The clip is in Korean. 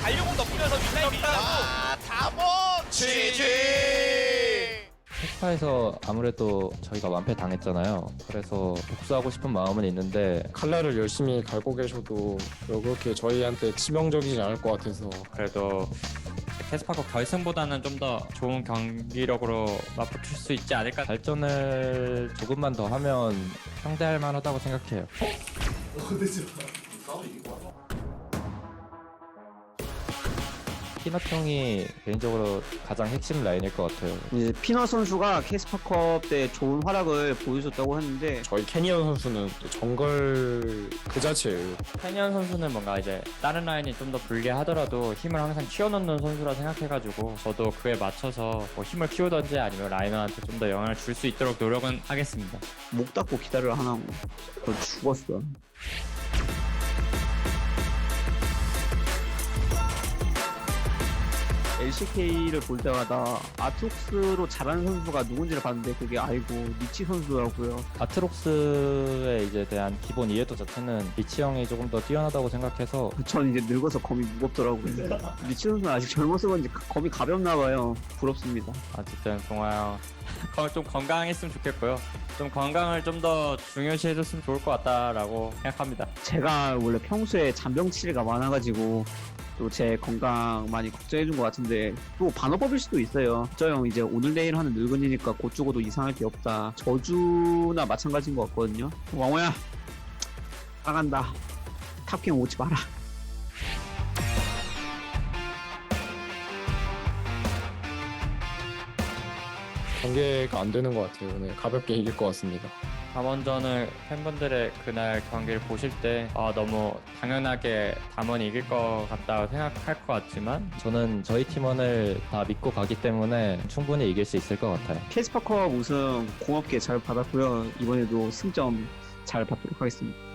달려공 넣으면서 윗라인 밀라고 다몬 GG. 페스파에서 아무래도 저희가 완패 당했잖아요. 그래서 복수하고 싶은 마음은 있는데 칼날을 열심히 갈고 계셔도 그렇게 저희한테 치명적이지 않을 것 같아서 그래도 캐스파컵 결승보다는 좀 더 좋은 경기력으로 맞붙을 수 있지 않을까. 발전을 조금만 더 하면 상대할 만하다고 생각해요. 피넛 형이 개인적으로 가장 핵심 라인일 것 같아요. 이제 피너 선수가 캐스파컵 때 좋은 활약을 보여줬다고 했는데 저희 캐니언 선수는 또 정글 그 자체예요. 캐니언 선수는 뭔가 이제 다른 라인이 좀 더 불리하더라도 힘을 항상 키워놓는 선수라 생각해가지고 저도 그에 맞춰서 뭐 힘을 키우던지 아니면 라이너한테 좀 더 영향을 줄 수 있도록 노력은 하겠습니다. 목 닫고 기다려 하나고 그걸 죽었어. LCK를 볼 때마다 아트록스로 잘하는 선수가 누군지를 봤는데 그게 알고 니치 선수더라고요. 아트록스에 이제 대한 기본 이해도 자체는 리치 형이 조금 더 뛰어나다고 생각해서 전 이제 늙어서 검이 무겁더라고요. 니치 선수는 아직 젊어서 그런지 검이 가볍나 봐요. 부럽습니다. 어쨌든 동아 형 좀 건강했으면 좋겠고요. 좀 건강을 좀 더 중요시 해줬으면 좋을 것 같다라고 생각합니다. 제가 원래 평소에 잔병치레가 많아가지고 또 제 건강 많이 걱정해준 것 같은데 또 반어법일 수도 있어요. 저 형 이제 오늘 내일 하는 늙은이니까 곧 죽어도 이상할 게 없다. 저주나 마찬가지인 것 같거든요. 왕호야 나간다. 탑킹 오지 마라. 경계가 안 되는 것 같아요. 오늘 가볍게 이길 것 같습니다. 담원전을 팬분들의 그날 경기를 보실 때 너무 당연하게 담원이 이길 것 같다고 생각할 것 같지만 저는 저희 팀원을 다 믿고 가기 때문에 충분히 이길 수 있을 것 같아요. 캐스파컵 우승 고맙게 잘 받았고요. 이번에도 승점 잘 받도록 하겠습니다.